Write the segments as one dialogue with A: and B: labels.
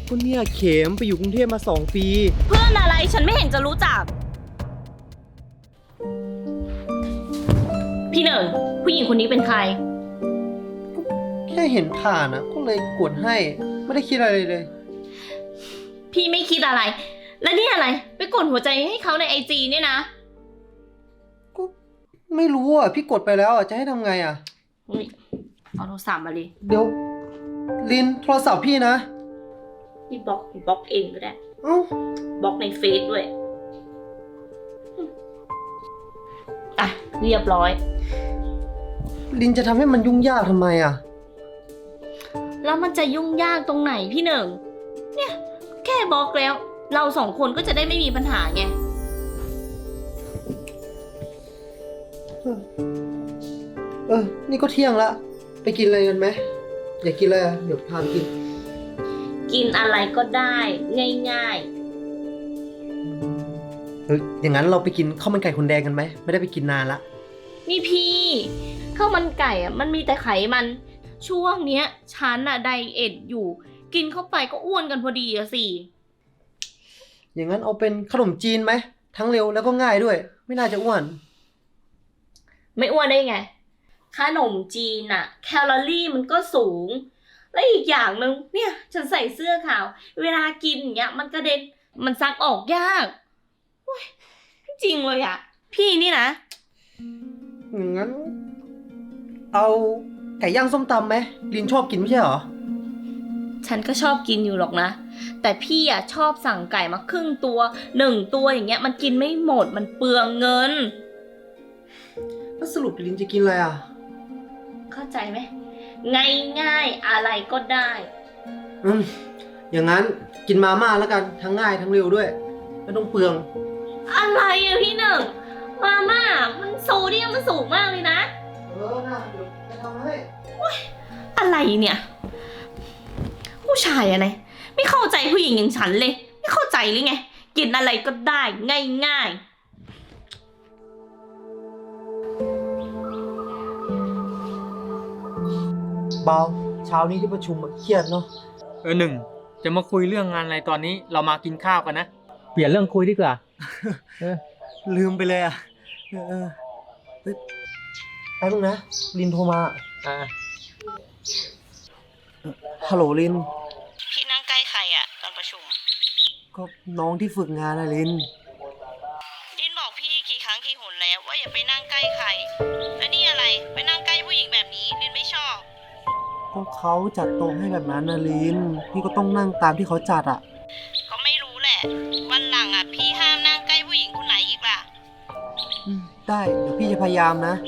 A: ก็เนี่ยเข็มไปอยู่กรุงเทพมา2 ปี
B: เพื่อนอะไรฉันไม่เห็นจะรู้จัก พี่หนึ่งผู้หญิงคนนี้เป็นใคร
A: แค่เห็นผ่านก็เลยกดให้ไม่ได้คิดอะไรเลย
B: พี่ไม่คิดอะไร แล้วนี่อะไร ไปกดหัวใจให้เขาในIGเนี่ยนะ
A: ก็ไม่รู้พี่กดไปแล้วจะให้ทำไง
B: อุ๊ยเอาโทรศัพท์มาเลย
A: เดี๋ยวลินโทรศัพท์พี่นะ
B: พี่บล็อกเองก็ได้
A: เอ้า
B: บล็อกในเฟซด้วยอ่ะเรียบร้อย
A: ลินจะทำให้มันยุ่งยากทำไม
B: แล้วมันจะยุ่งยากตรงไหนพี่หนึ่ง เนี่ยแค่บล็อกแล้ว เราสองคนก็จะได้ไม่มีปัญหาไง
A: นี่ก็เที่ยงละไปกินอะไรกันไหมอยากกินอะไรเดี๋ยวพาไปกิน
B: กินอะไรก็ได้ง่าย
A: อย่างนั้นเราไปกินข้าวมันไก่คนแดงกันไหมไม่ได้ไปกินนานละ
B: ๆนี่พี่ข้าวมันไก่มันมีแต่ไขมัน ช่วงเนี้ยฉันไดเอทอยู่ กินเข้าไปก็อ้วนกันพอดีสิ
A: อย่างนั้นเอาเป็นขนมจีนไหมทั้งเร็วแล้วก็ง่ายด้วย ไม่น่าจะอ้วน
B: ไม่อ้วนได้ไงขนมจีนแคลอรี่มันก็สูง และอีกอย่างหนึ่งเนี่ยฉันใส่เสื้อขาว เวลากินอย่างเงี้ยมันกระเด็นมันซักออกยากจริงเลยพี่นี่นะ
A: อย่างนั้น เอาไก่ย่างส้มตำไหมลินชอบกินไม่ใช่เหรอ
B: ฉันก็ชอบกินอยู่หรอกนะ แต่พี่ชอบสั่งไก่มาครึ่งตัว1 ตัวอย่างเงี้ยมันกินไม่หมดมันเปลืองเงิน
A: แล้วสรุปลินจะกินอะไร
B: เข้าใจไหมง่ายๆอะไรก็ได้
A: อย่างนั้นกินมาม่าแล้วกันทั้งง่ายทั้งเร็วด้วยไม่ต้องเปลือง
B: อะไรพี่หนึ่งมาม่ามันโซเดียมมันสูงมากเลยนะ
A: นะเดี๋ยวจะทำให้
B: อะไรเนี่ยผู้ชายอะไรไม่เข้าใจผู้หญิงอย่างฉันเลยไม่เข้าใจเลยไงกินอะไรก็ได้ง่าย
A: เบาเช้านี้ที่ประชุมเครียดเนาะ
C: หนึ่งจะมาคุยเรื่องงานอะไรตอนนี้เรามากินข้าวกันนะเปลี่ยนเรื่องคุยดีกว่า
A: ลืมไปเลยเฮ้ยแป๊บนึงนะลินโทรมาฮัลโหลลิน
B: พี่นั่งใกล้ใครตอนประชุม
A: ก็น้องที่ฝึกงานลิน
B: ดินบอกพี่กี่ครั้งกี่หนแล้วว่าอย่าไปนั่งใกล้ใครแล้วนี่อะไรไปนั่งใกล้ผู้หญิงแบบนี้ดินไม่ชอบ
A: ก็เขาจัดโต๊ะให้แบบนั้นลินพี่ก็ต้องนั่งตามที่เขาจัด
B: ก็ไม่รู้แหละวันหลังพี่ห้ามนั่งใกล้ผู้หญิงคนไหนอีกล่ะ
A: ได้เดี๋ยวพี่จะพยายามนะ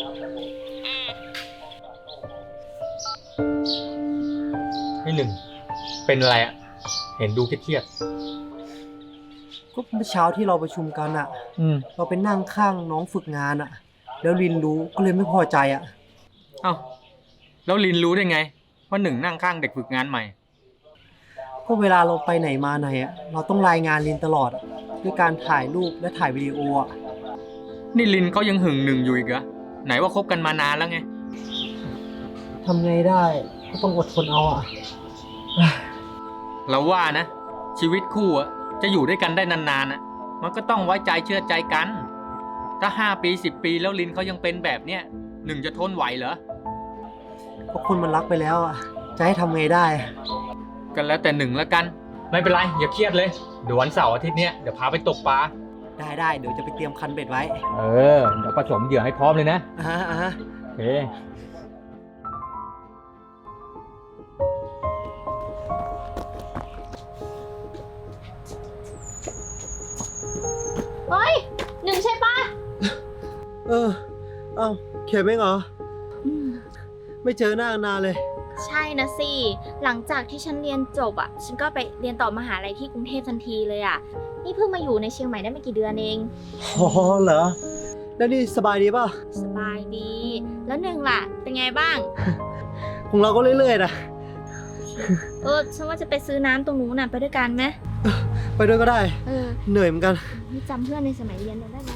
C: ให้หนึ่งเป็นอะไรเห็นดูเครียด
A: ก็เมื่อเช้าที่เราประชุมกันเราไปนั่งข้างน้องฝึกงานแล้วลินรู้ก็เลยไม่พอใจ
C: เอ้าแล้วลินรู้ได้ไงว่าหนึ่งนั่งข้างเด็กฝึกงานใหม่
A: ก็เวลาเราไปไหนมาไหนเราต้องรายงานลินตลอดด้วยการถ่ายรูปและถ่ายวิดีโอ
C: นี่ลินเขายังหึงหนึ่งอยู่อีกเหรอไหนว่าคบกันมานานแล้วไง
A: ทำไงได้ก็ต้องอดทนเอา
C: เราว่านะชีวิตคู่จะอยู่ด้วยกันได้นานๆมันก็ต้องไว้ใจเชื่อใจกันถ้า5 ปี10 ปีแล้วลินเขายังเป็นแบบเนี้ยหนึ่งจะทนไหวเหรอ
A: ก็คนมันรักไปแล้วจะให้ทำไงได้
C: กันแล้วแต่หนึ่งแล้วกันไม่เป็นไรอย่าเครียดเลยเดี๋ยววันเสาร์อาทิตย์เนี้ยเดี๋ยวพาไปตกปลา
A: ได้เดี๋ยวจะไปเตรียมคันเบ็ดไว้
C: เดี๋ยวผสมเหยื่อให้พร้อมเลยนะโอเค
B: เฮ้ยหนึ่งใช่ปะ
A: เอ้าเข็มเองเหรอไม่เจอหน้านานเลย
D: ใช่นะสิหลังจากที่ฉันเรียนจบฉันก็ไปเรียนต่อมหาลัยที่กรุงเทพทันทีเลยนี่เพิ่งมาอยู่ในเชียงใหม่ได้ไม่กี่เดือนเอง
A: อ๋อเหรอแล้วนี่สบายดีป่ะ
D: สบายดีแล้วหนึ่งล่ะเป็นไงบ้าง
A: ของเราก็เรื่อยๆนะ
D: ฉันว่าจะไปซื้อน้ำตรงนู้นไปด้วยกันไหม
A: ไปด้วยก็ได้เหนื่อยเหมือนกัน
D: จำเพื่อนในสมัยเรียนได้ไหม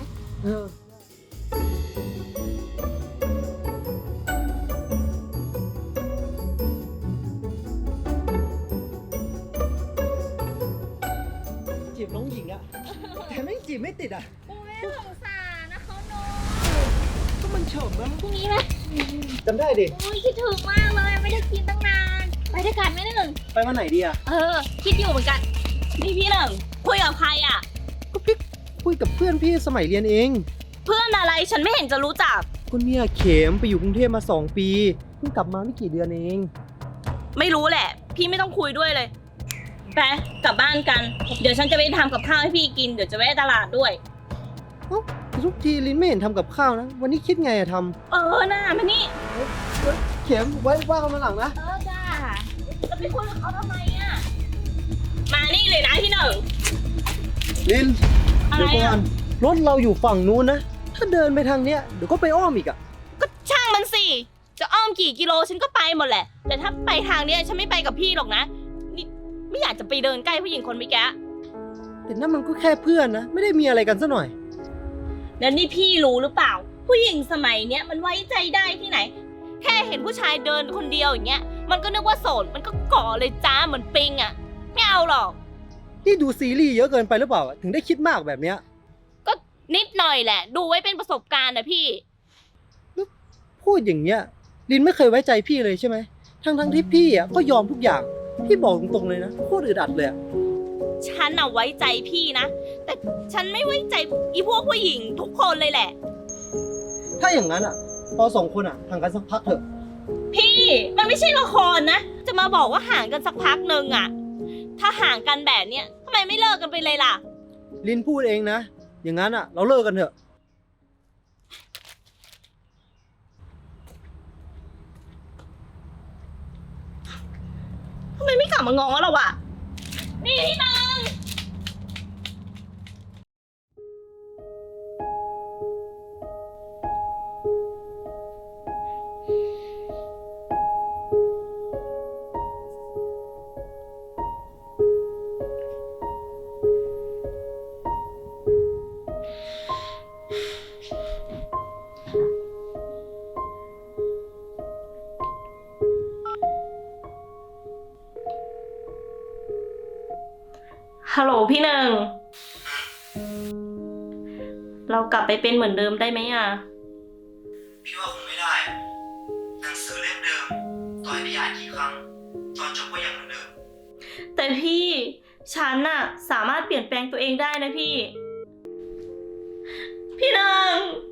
A: จีบน้องหญิงอะแต่ไม่งจีบไม่ติดอะ
D: โอ้ยสงสารนะเขาโน
A: ก็มันเฉิมนะ
D: พรุ่งนี้ไหม
A: จำได้ดิ
D: โอ้ยคิดถึงมากเลยไม่ได้กินตั้งนานไปด้วยกันไหมหนึ่ง
A: ไปวันไหนดีอะ
D: คิดอยู่เหมือนกัน
B: นี่พี่หนึ่งคุยกับใครอ่ะ
A: ก็พี่คุยกับเพื่อนพี่สมัยเรียนเอง
B: เพื่อนอะไรฉันไม่เห็นจะรู้จัก
A: คนเนี่ยเข็มไปอยู่กรุงเทพมา2 ปีเพิ่งกลับมาไม่กี่เดือนเอง
B: ไม่รู้แหละ พี่ไม่ต้องคุยด้วยเลยไปกลับบ้านกัน เดี๋ยวฉันจะไปทำกับข้าวให้พี่กินเดี๋ยวจะแวะตลาดด้วย
A: เอ้าทุกทีลินไม่เห็นทำกับข้าวนะ วันนี้คิดไงอะท
B: น่ามานี่
A: ำเข็มไว้ว่ากันมาหลังนะ
D: จ้า
B: จะไปคุยกับเขาทำไมอ่ะมานี่เลยนะพี่หนึ่ง
A: ลิน
B: อะไร
A: เดี๋ยวก่อ
B: อ่ะ
A: นรถเราอยู่ฝั่งนู้นนะ ถ้าเดินไปทางเนี้ยเดี๋ยวก็ไปอ้อมอีกอะ
B: ก็ช่างมันสิจะอ้อมกี่กิโลฉันก็ไปหมดแหละ แต่ถ้าไปทางเนี้ยฉันไม่ไปกับพี่หรอกนะนี่ไม่อยากจะไปเดินใกล้ผู้หญิงคนเมื่อกี้
A: แต่นั่นมันก็แค่เพื่อนนะ ไม่ได้มีอะไรกันซะหน่อย
B: แล้วนี่พี่รู้หรือเปล่า ผู้หญิงสมัยเนี้ยมันไว้ใจได้ที่ไหน แค่เห็นผู้ชายเดินคนเดียวอย่างเงี้ยมันก็นึกว่าโสดมันก็ก่อเลยจ้าเหมือนปิงอ่ะไม่เอาหรอก
A: นี่ดูซีรีส์เยอะเกินไปหรือเปล่า ถึงได้คิดมากแบบเนี้ย
B: ก็นิดหน่อยแหละ ดูไว้เป็นประสบการณ์นะพี่
A: พูดอย่างเงี้ยลินไม่เคยไว้ใจพี่เลยใช่ไหมทั้งที่พี่อ่ะก็ยอมทุกอย่าง พี่บอกตรงๆเลยนะโคตรอึดอัดเลยอะ
B: ฉันน่ะไว้ใจพี่นะ แต่ฉันไม่ไว้ใจอีพวกผู้หญิงทุกคนเลยแหละ
A: ถ้าอย่างนั้นอ่ะเราสองคนอ่ะห่างกันสักพักเถอะ
B: พี่มันไม่ใช่ละครนะ จะมาบอกว่าห่างกันสักพักหนึ่งอะถ้าห่างกันแบบเนี้ยทำไมไม่เลิกกันไปเลยล่ะ
A: ลินพูดเองนะ อย่างนั้นอ่ะ เราเลิกกันเถอะ
B: ทำไมไม่กลับมาง้อเราอะนี่พี่นาง ฮัลโหลพี่หนึ่ง เรากลับไปเป็นเหมือนเดิมได้ไหมอะ
A: พี่ว่าคงไม่ได้หนังสือเล่มเดิมต่อให้พี่อ่านกี่ครั้งตอนจบก็ยังเหมือนเดิม
B: แต่พี่ฉันน่ะสามารถเปลี่ยนแปลงตัวเองได้นะพี่ พี่หนึ่ง